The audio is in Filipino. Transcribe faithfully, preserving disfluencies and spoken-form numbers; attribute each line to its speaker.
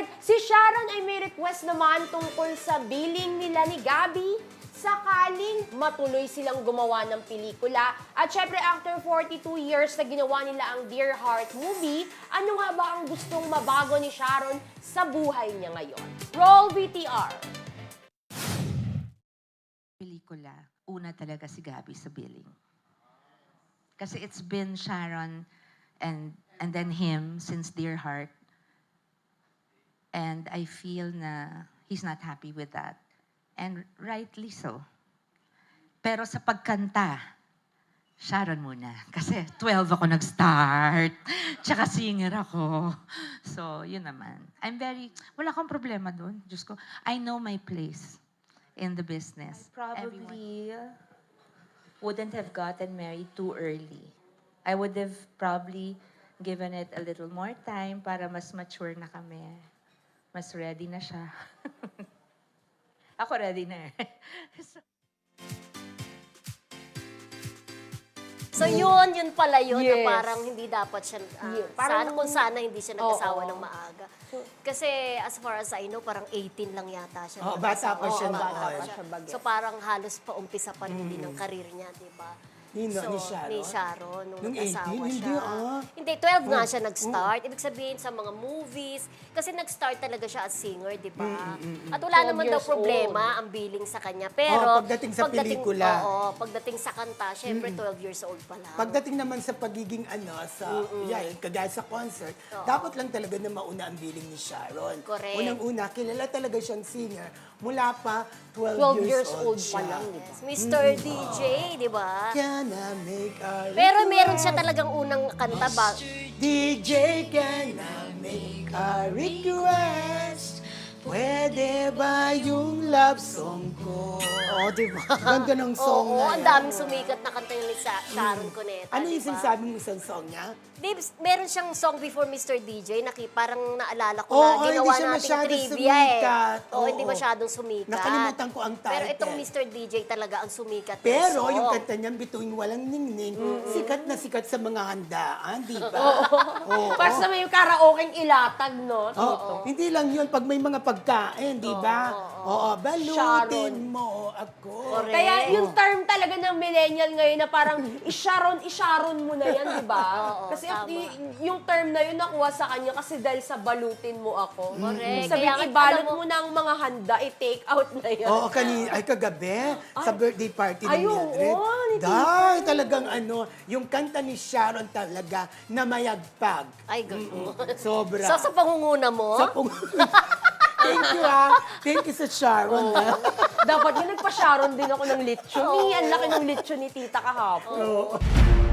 Speaker 1: Alright, si Sharon ay may request naman tungkol sa billing nila ni Gabby sakaling matuloy silang gumawa ng pelikula. At syempre, after forty-two years na ginawa nila ang Dear Heart movie, ano nga ba ang gustong mabago ni Sharon sa buhay niya ngayon? Roll V T R!
Speaker 2: Pelikula, una talaga si Gabby sa billing. Kasi it's been Sharon and and then him since Dear Heart. And I feel na he's not happy with that. And rightly so. Pero sa pagkanta, Sharon muna. Kasi twelve ako nag-start. Tsaka singer ako. So, yun naman. I'm very, wala akong problema doon. Diyos ko, I know my place in the business.
Speaker 3: Probably wouldn't have gotten married too early. I would have probably given it a little more time para mas mature na kami. Mas ready na siya. Ako ready na eh.
Speaker 4: So yun, yun pala yun na
Speaker 1: Yes.
Speaker 4: parang hindi dapat siya, ah,
Speaker 1: Yeah, parang-
Speaker 4: sana, kung sana hindi siya nag-asawa
Speaker 1: Oo.
Speaker 4: ng maaga. Kasi as far as I know, parang eighteen lang yata siya.
Speaker 5: Oo, bata pa
Speaker 4: nag-asawa.
Speaker 5: siya
Speaker 4: Oo,
Speaker 5: noon.
Speaker 4: bata pa
Speaker 1: Bata
Speaker 4: siya.
Speaker 1: siya bagay.
Speaker 4: So parang halos pa umpisa pa rin din ng karir niya, di ba?
Speaker 5: Nino,
Speaker 4: So,
Speaker 5: ni Sharon?
Speaker 4: Ni Sharon, nung,
Speaker 5: Nung
Speaker 4: nag-asawa
Speaker 5: eighteen?
Speaker 4: siya.
Speaker 5: Hindi, ah.
Speaker 4: Hindi, twelve nga siya nag-start. Ibig sabihin sa mga movies. Kasi nag-start talaga siya as singer, di ba? At wala
Speaker 1: twelve
Speaker 4: naman daw
Speaker 1: years
Speaker 4: problema ang billing sa kanya. Pero,
Speaker 5: Oo, pagdating sa pelikula.
Speaker 4: Oo, pagdating sa kanta, syempre twelve years old pa lang.
Speaker 5: Pagdating naman sa pagiging ano, sa, yeah, kagaya sa concert, dapat lang talaga na mauna ang billing ni Sharon.
Speaker 4: Correct.
Speaker 5: Unang-una, kilala talaga siyang singer mula pa twelve,
Speaker 1: twelve
Speaker 5: years,
Speaker 1: years old
Speaker 5: siya.
Speaker 1: pa lang, di ba?
Speaker 4: Yes, Mister D J, di ba?
Speaker 5: Can I make a
Speaker 4: Pero meron
Speaker 5: request?
Speaker 4: siya talagang unang kanta ba?
Speaker 5: D J, can I make a request? Pwede ba yung love song ko?
Speaker 4: Oo, di ba?
Speaker 5: Ganda ng song
Speaker 4: Oo,
Speaker 5: na
Speaker 4: ang
Speaker 5: yan.
Speaker 4: daming sumikat na kanta ni Sa- Sharon Cuneta,
Speaker 5: Ano
Speaker 4: di
Speaker 5: yung
Speaker 4: ba?
Speaker 5: sinasabi mo isang song niya?
Speaker 4: Di, meron siyang song before Mister D J na ki- parang naalala ko
Speaker 5: Oo,
Speaker 4: na
Speaker 5: hindi
Speaker 4: ginawa
Speaker 5: siya
Speaker 4: nating
Speaker 5: masyadong
Speaker 4: trivia
Speaker 5: sumikat.
Speaker 4: eh. Oo, hindi
Speaker 5: Oo.
Speaker 4: masyadong sumikat.
Speaker 5: Nakalimutan ko ang
Speaker 4: Pero
Speaker 5: title.
Speaker 4: itong Mister D J talaga ang sumikat na
Speaker 5: Pero
Speaker 4: song.
Speaker 5: yung kanta niya, Bituing Walang Ningning, sikat na sikat sa mga handaan, di ba? Oo.
Speaker 1: Para sa may karaoke ilatag, no?
Speaker 5: Oo. Hindi lang yun, pag may mga pagkain, di ba? Oo, balutin
Speaker 1: Sharon.
Speaker 5: mo ako.
Speaker 4: Correct.
Speaker 1: Kaya yung term talaga ng millennial ngayon na parang isharon, isharon mo na yan, di ba?
Speaker 4: Oo,
Speaker 1: Kasi
Speaker 4: tama.
Speaker 1: y- yung term na yun nakuha sa kanya kasi dahil sa balutin mo ako.
Speaker 4: Correct.
Speaker 1: Sabi,
Speaker 4: Kaya nga,
Speaker 1: ibalot
Speaker 4: alam mo-
Speaker 1: mo na ang mga handa, i-take out na yan.
Speaker 5: Oo, kani ay kagabi, sa birthday party
Speaker 1: Ay,
Speaker 5: ni
Speaker 1: oo,
Speaker 5: Mildred.
Speaker 1: ni
Speaker 5: Dahil talagang ano, yung kanta ni Sharon talaga na mayagpag.
Speaker 4: Ay, gano'n.
Speaker 5: Sobra.
Speaker 4: So, sa pangunguna mo,
Speaker 5: Sa pung- Thank you, ah. Thank you sa Sharon, ah.
Speaker 1: Dapat yun, nagpa-sharon din ako ng lechon. Eh, ang laki ng lechon ni tita kahapon.